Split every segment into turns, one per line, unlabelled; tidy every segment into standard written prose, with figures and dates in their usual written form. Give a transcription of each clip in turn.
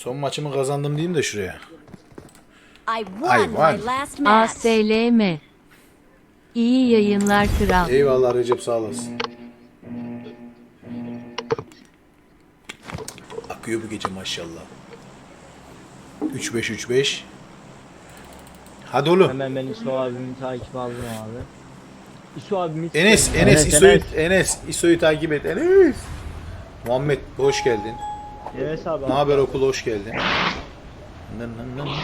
Son maçımı kazandım diyeyim de şuraya.
I won my last match.
ASLM. İyi yayınlar kral.
Eyvallah Recep, sağ olasın. Akıyor bu gece maşallah. 3-5-3-5. Hadi oğlum.
Hemen ben İso abimi takip aldım abi. İso abimi
Enes, İso'yu takip et. Enes. Muhammed hoş geldin.
Evet abi.
Ne haber okul, hoş geldin. Nın nın nın.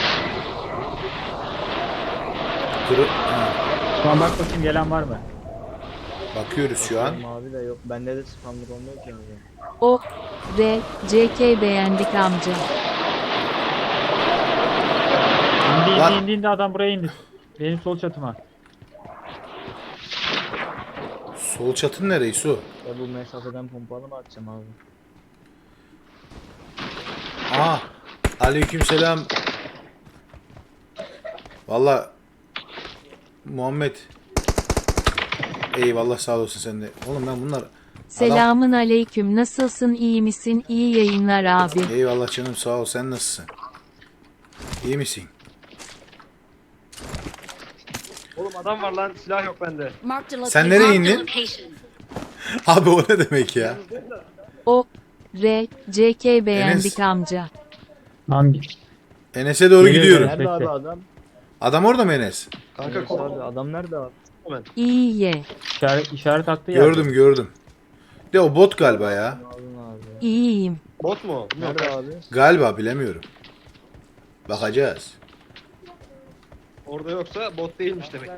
Ha,
Şu an bak bakayım gelen var mı?
bakıyoruz şu an.
Abi de yok. Bende de spamlık olmuyor ki abi.
O, R, CK beğendik amca.
İndi indi adam buraya indi. Benim sol çatıma.
Sol çatın nereye İso?
Ya bu mesafeden pompalı mı atacağım abi?
Aha. Aleykümselam. Valla Muhammed. Eyvallah, sağ olasın sen de. Oğlum ben bunlar
Selamın aleyküm, nasılsın, iyi misin, iyi yayınlar abi.
Eyvallah canım, sağ ol, sen nasılsın? İyi misin?
Oğlum adam var lan, silah yok bende.
Marked a
Sen
location.
nereye indin? Abi o ne demek ya?
O, R, CK beğendik
Enes.
amca.
Hangi?
Enes'e doğru
Geliyor,
gidiyorum.
Enes.
Nerede abi
Bekle.
adam?
Adam orada mı Enes?
Kanka
Evet abi adam nerede abi?
İyi ye,
İşaret attı ya.
Gördüm. De o bot galiba ya.
Aldın abi.
iyiyim.
bot mu?
Nerede abi?
Galiba, bilemiyorum. Bakacağız.
Orada yoksa bot değilmiş demek.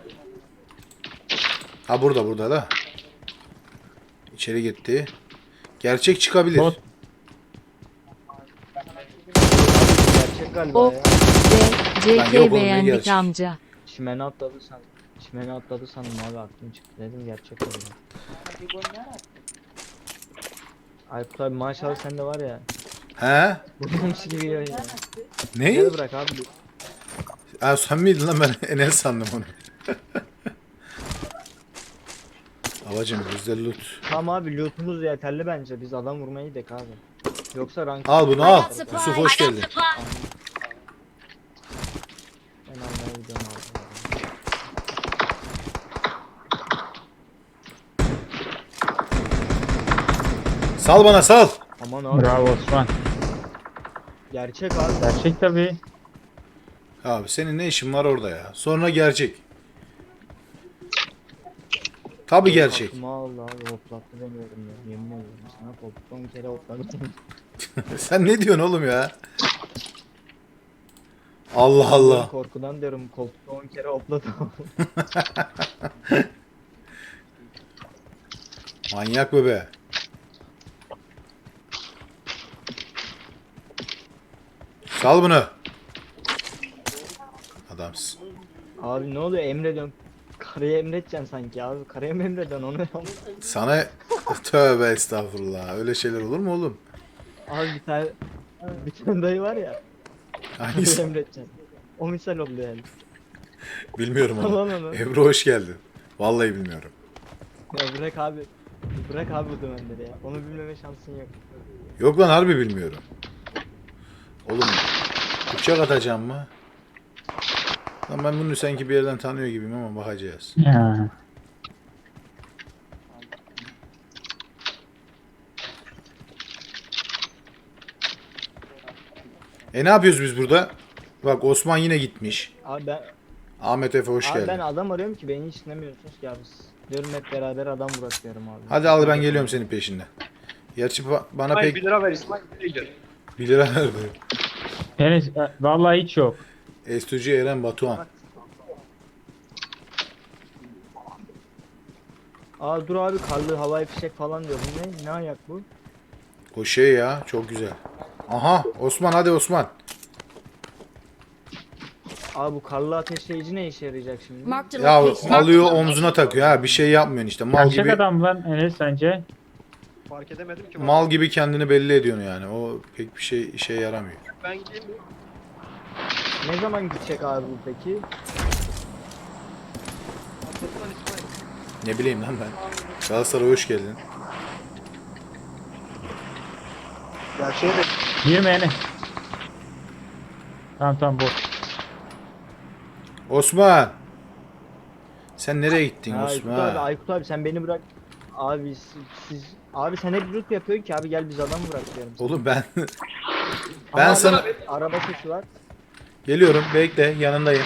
Ha burada da. İçeri gitti. Gerçek çıkabilir.
Bot.
Gerçek galiba
O,
ya.
R,
Lan yok
CK
oğlum, ne
beğendik
gerçek?
amca.
Çimene atladı sandım. Çimene atladı sandım abi, aklım çıktı dedim gerçek oldu. Aykut abi maşallah sende var ya.
He?
Bulmuş gibi ya.
Ne?
Gel bırak abi.
Ha, sen miydin lan, ben Enes sandım onu. Babacım bizde loot.
Tamam abi lootumuz yeterli bence. Biz adam vurmayı gidelim abi. Yoksa rank
Al bunu al. Yusuf hoş geldin.
ben almaya gidiyorum abi.
Sal bana, sal.
Aman abi.
Bravo Osman.
Gerçek abi.
Gerçek tabii.
Abi senin ne işin var orada ya? Sonra gerçek. Tabi gerçek.
Aklıma aldı abi, hoplattı demiyorum ya. Yemin ediyorum sana koltuktan bir kere hopladım.
Sen ne diyorsun oğlum ya? Allah Allah.
Korkudan diyorum koltukta 10 kere hopladım.
Manyak bebe. Sal bunu. Adamsın.
Abi ne oluyor, emrediyorsun. Karıya emredeceksin sanki abi. Karıya mı emrediyorsun onu?
Sana tövbe estağfurullah. Öyle şeyler olur mu oğlum?
Abi bir tane dayı var ya. Karıya
Hangisi?
emredeceksin. O misal oluyor yani.
Bilmiyorum onu.
Tamam onu.
Ebru hoş geldin. Vallahi bilmiyorum.
Ya bırak abi. Bırak abi bu dümenleri ya. Onu bilmeme şansın yok.
Yok lan, harbi bilmiyorum. Oğlum bıçak atacağım mı? Lan ben bunu sanki bir yerden tanıyor gibiyim ama bakacağız.
Ya.
Ne yapıyoruz biz burada? Bak Osman yine gitmiş.
Abi ben
Ahmet Efe hoş
abi ben
geldin.
adam arıyorum ki beni hiç dinlemiyorsunuz ki abi. Diyorum hep beraber adam bırakıyorum abi.
Hadi al, ben geliyorum senin peşinden. Gerçi bana
İsmail
pek
1 lira ver, İsmail nereye gidiyor?
1 lira verdi.
Enes vallahi hiç yok.
Estücü Eren Batuhan.
Aa dur abi, karlı havai fişek falan diyor. Bu ne? Ne ayak bu?
O şey ya, çok güzel. Aha Osman, hadi Osman.
Abi bu karlı ateşleyici ne işe yarayacak şimdi?
Marked a
Ya
location.
alıyor omzuna takıyor ha, bir şey yapmıyorsun işte. Mal
Gerçek
gibi,
adam lan Enes sence?
Fark edemedim ki.
mal gibi kendini belli ediyorsun yani. O pek bir şey işe yaramıyor.
Ben gideyim mi?
Ne zaman gidecek abi bu peki?
Atlatılan İsmail.
Ne bileyim lan ben. Galatasaray hoş geldin.
Ya şey de
Girme Enes. Tamam bot.
Osman. Sen nereye gittin
Aykut abi,
Osman?
Aykut abi sen beni bırak. Abi abi sen hep loot yapıyorsun ki abi, gel biz adam bırak diyorum.
Oğlum ben
Ama
ben
abi,
sana
araba sesi var.
geliyorum. Bekle, yanındayım.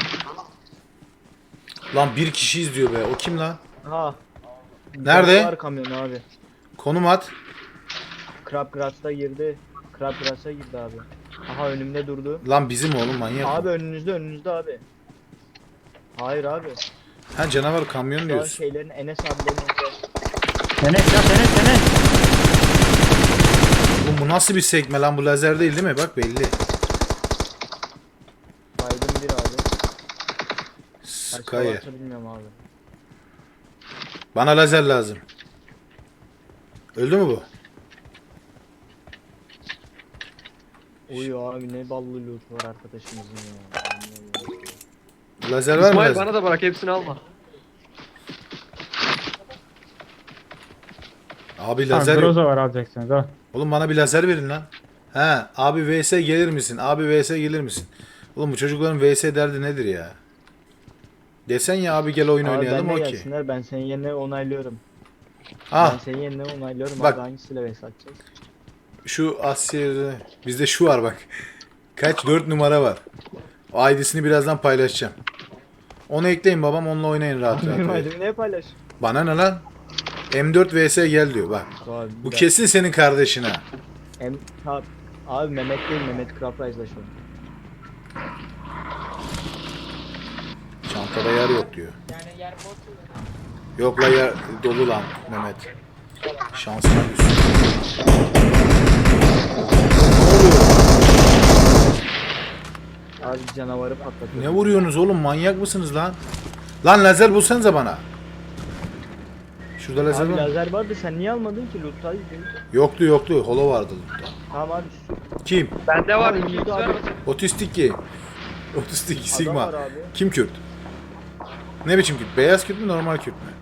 Lan bir kişi izliyor be. O kim lan?
Ha.
Nerede?
Var kamyon abi.
Konum at.
Crabgrass'a girdi. Crabgrass'a girdi abi. Aha önümde durdu.
Lan bizim oğlum, manyak.
Abi önünüzde abi. Hayır abi.
Ha, canavar kamyon
Şu an
diyorsun.
şeylerin Enes abilerin önünde.
Senet.
Oğlum bu nasıl bir sekme lan? Bu lazer değil mi? Bak belli.
Baydım bir abi.
Sky.
Başka varsa bilmiyorum abi.
Bana lazer lazım. Öldü mü bu?
Uyu abi, ne ballı loot var arkadaşımızın ya.
Lazer var mı
İsmail
lazer?
bana da bırak, hepsini alma.
Abi
Tamam
lazer yok.
Groza var alacaksınız al.
Oğlum bana bir lazer verin lan. He, abi VS gelir misin? Abi VS gelir misin? Oğlum bu çocukların VS derdi nedir ya? Desen ya abi gel oyun
Abi
oynayalım,
ben de
okey.
gelsinler, ben senin yerine onaylıyorum.
Ah,
Ben senin yerine onaylıyorum
Bak.
abi, hangisiyle vs atacağız?
şu Asya'da bizde şu var bak. Kaç 4 numara var. O ID'sini birazdan paylaşacağım. Onu ekleyin babam, onunla oynayın rahat
Benim
rahat.
aydımı ne paylaş?
Bana ne lan? M4 vs gel diyor bak.
Abi,
Bu kesin senin kardeşin ha.
Abi Mehmet değil, Mehmet Craprice'la şu an.
Çantada yer yok diyor. Yok la, yer dolu lan Mehmet. Şansına düşsün.
Abi canavarı patlatıyor.
Ne vuruyorsunuz oğlum, manyak mısınız lan? Lan lazer bulsanıza bana. Şurada lazer
Abi
var mı?
lazer vardı, sen niye almadın ki loot'taydı?
Yoktu. Holo vardı lootta.
Tamam abi,
Kim?
Bende var,
Abi,
2x
abi.
ver bakayım.
Otistik ki. Otistik
adam
Sigma.
var abi.
Kim Kürt? Ne biçim Kürt? Beyaz Kürt mü, normal Kürt mü?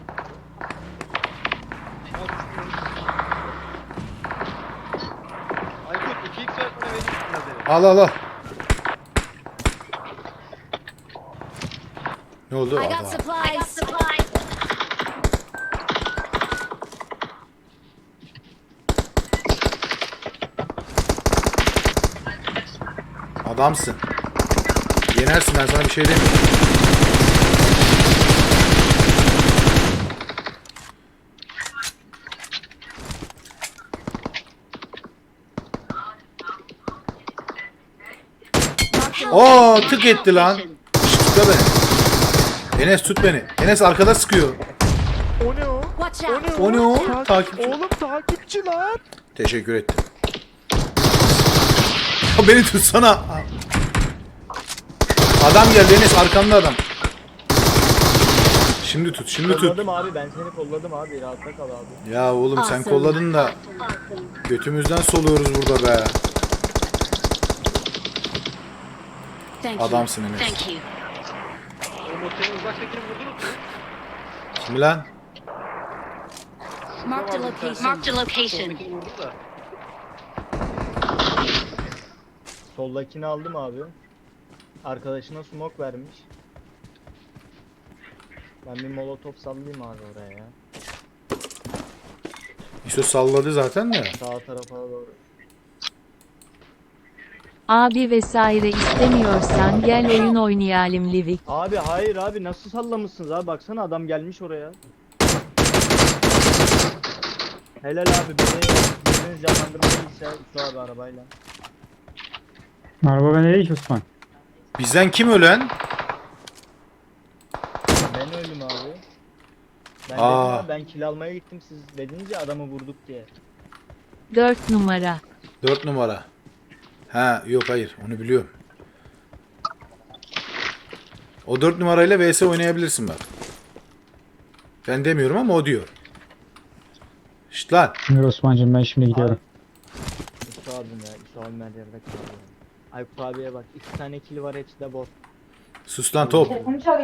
Aykut 2x ver bana, vereyim lazeri.
Al. Ne oldu?
I got
Al.
supplies.
Adamsın. Yenersin, ben sana bir şey demiyorum. Oo, tık etti lan. Şşt, tut beni. Enes tut beni. Enes arkada sıkıyor.
Watch out.
O ne o? Takipçi.
Oğlum takipçi lan.
Teşekkür ettim. Ya beni tutsana. Adam geldi Enes, arkanda adam. Şimdi tut.
Kolladım abi, ben seni kolladım abi, rahatta kal abi.
Ya oğlum sen
Awesome.
kolladın da götümüzden soluyoruz burada be.
Thank you.
Adamsın Enes.
Thank you.
Oğlum o senin uzaktakini vurdunuz mu?
Kimi lan?
Marked a location. Marked a location.
Soldakini vurdum da.
Soldakini aldım abi. Arkadaşına smoke vermiş. Ben bir molotof sallayayım abi oraya ya.
İşte salladı zaten de.
Sağ tarafa doğru.
Abi vesaire istemiyorsan gel oyun oynayalım Livik.
Abi hayır abi, nasıl sallamışsınız abi, baksana adam gelmiş oraya. Helal abi, biriniz canlandırmayıysa şu abi arabayla.
Araba bende değil ki Osman.
Bizden kim ölen?
Ben öldüm abi. Ben
Aa.
dedim ya, ben kill almaya gittim, siz dedince adamı vurduk diye.
4 numara.
4 numara. Ha yok, hayır, onu biliyorum. O 4 numarayla vs oynayabilirsin bak. Ben demiyorum ama o diyor. Şşt lan.
Şimdi Osman'cım ben şimdi gidiyorum.
Üstü abim ya, Üstü abim her yerde kalıyor. Aykut abiye bak, 2 tane kill var, hepsi de bot.
Sus lan top.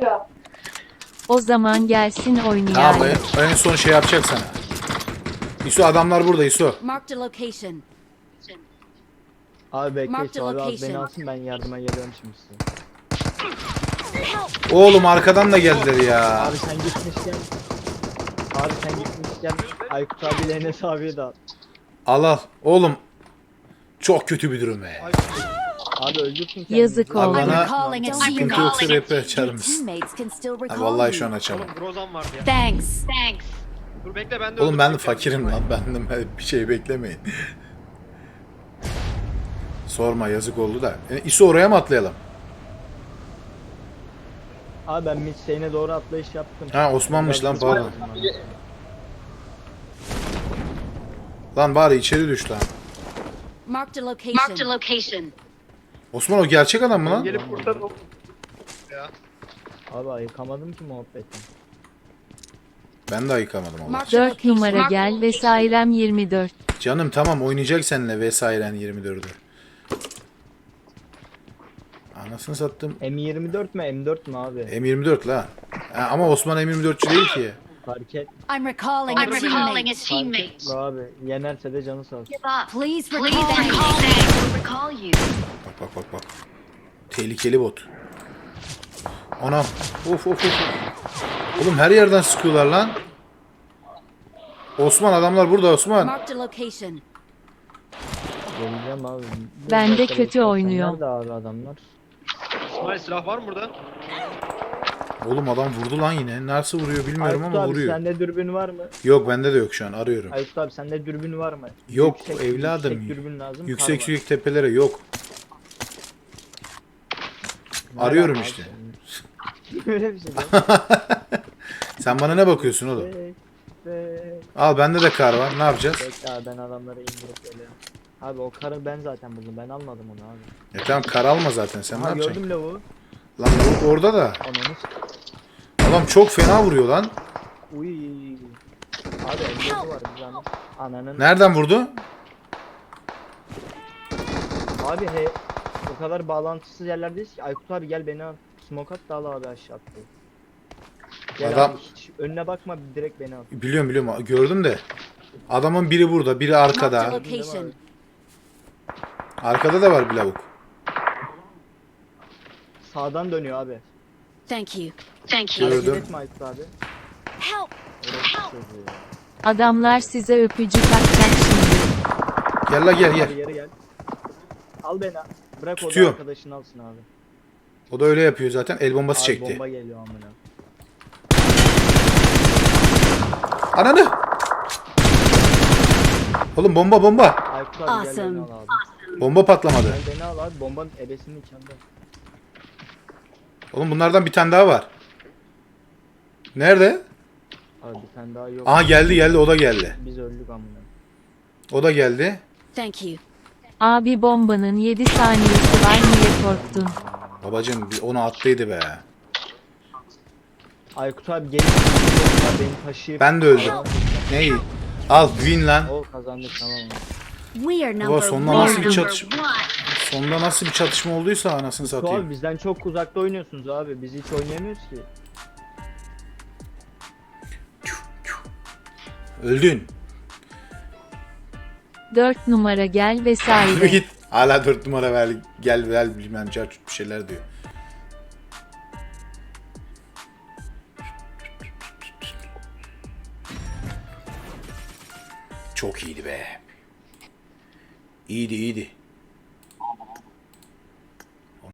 O zaman gelsin
Tamam,
oynayalım.
en son şey yapacak sana. İso, adamlar burada İso.
Marked a location.
Abi bekle
Mark the
İso abi, az beni
location.
alsın, ben yardıma geliyorum şimdi size.
Oğlum arkadan da geldiler ya.
Abi sen gitmişken Aykut abiyle Enes abiye de al.
Al. Oğlum. Çok kötü bir durum be.
Abi öldürsün kendini.
Yazık
Abi
oldu.
I'm
bana
recalling a
sıkıntı
teammate.
yoksa rap açar
Your
mısın?
teammates can still
Ha,
recall
vallahi
you.
şu an açamam.
Oğlum Grozan vardı ya.
Thanks.
Dur bekle ben de
Oğlum ben de
öldüreceğim.
fakirim lan. Benden bir şey beklemeyin. Sorma yazık oldu da. İso oraya mı atlayalım?
Abi ben midstay'ine doğru atlayış yaptım.
Ha Osman'mış lan
Biraz
pardon.
lazım bana.
Lan bari içeri düş lan.
Marked a location.
Osman o gerçek adam mı lan?
Gelip kurtar oğlum. Ya.
Abi ayıkamadım ki muhabbetten.
Ben de ayıkamadım Allah.
Marked a
4 numara
location.
gel vesairem 24.
Canım tamam oynayacak seninle vesairen 24'ü. Anasını sattım.
M24 mü M4 mü abi?
M24 la. Ha, ama Osman M24'çü değil ki.
Fark et.
I'm recalling a teammate.
Fark etme abi. Yenerse de canı sağ olsun.
Please recall me.
Bak. Tehlikeli bot. Anam. Of. Oğlum her yerden sıkıyorlar lan. Osman adamlar burada Osman.
Marked a location.
Geleceğim abi.
Ben de
dakika
kötü
bekle.
oynuyor.
Nerede abi adamlar?
İsmail silah var mı burada?
Oğlum adam vurdu lan yine. Nasıl vuruyor bilmiyorum
Aykut
ama
abi
vuruyor.
sende dürbün var mı?
Yok bende de yok şu an arıyorum.
Aykut abi sende dürbün var mı?
Yok evladım.
Yüksek dürbün lazım.
Yüksek
kar var.
tepelere yok.
Nereden
Arıyorum
abi
işte.
senin? Öyle bir şey değil.
Sen bana ne bakıyorsun oğlum?
Bekle.
Al bende de kar var. Ne yapacağız?
Bekle abi, ben adamları indirip geliyorum. Abi o karı ben zaten buldum. Ben almadım onu abi.
Tamam kar alma zaten. Sen ne
Ha
yapacaksın?
gördüm lavuğu.
Lan lavuk orada da.
Ananı
Adam çok fena vuruyor lan.
Uy. Abi M4'ü var bir zahmet. Ananın.
Nereden vurdu?
Abi o kadar bağlantısız yerlerdeyiz ki. Aykut abi gel beni al. Smoke at da al abi aşağı atlayı. Gel
Adam-
abi, hiç önüne bakma, direkt beni al.
Biliyorum gördüm de. Adamın biri burada, biri
Marked a
arkada.
location.
Arkada da var bir lavuk.
Sağdan dönüyor abi.
Thank you.
Hareket
Gördüm.
etme Aykut abi.
Help.
Orası çocuğu ya.
Adamlar size öpücük atacak şimdi.
Gel la gel
Abi
gel.
yere gel. Al beni. Bırak o da
Tutuyorum.
arkadaşını alsın abi.
O da öyle yapıyor zaten. El bombası
Abi
çekti.
bomba geliyor amına.
Ananı! Oğlum bomba.
Aykut abi gel
Awesome.
beni al abi.
Bomba patlamadı.
Gel beni al abi. Bombanın ebesinin içinde.
Oğlum bunlardan bir tane daha var. Nerede?
Abi bir tane daha yok.
Aha geldi o da geldi.
Biz öldük amına.
O da geldi.
Thank you.
Abi bombanın 7 saniyesi var, niye korktun?
Babacım onu attıydı be.
Aykut abi gelin. Beni taşıyıp.
Ben de öldüm. Neyi? Al win lan.
O kazandık, tamam mı?
We are
Baba
number
sonunda
one.
nasıl bir çatışma? Sonunda nasıl bir çatışma olduysa anasını
Şu abi
satayım.
bizden çok uzakta oynuyorsunuz abi. Biz hiç oynayamıyoruz ki.
Öldün.
4 numara gel
Yürü
vesaire.
git. Hala 4 numara ver gel bilmem bir şeyler diyor. Çok iyiydi be. İyiydi.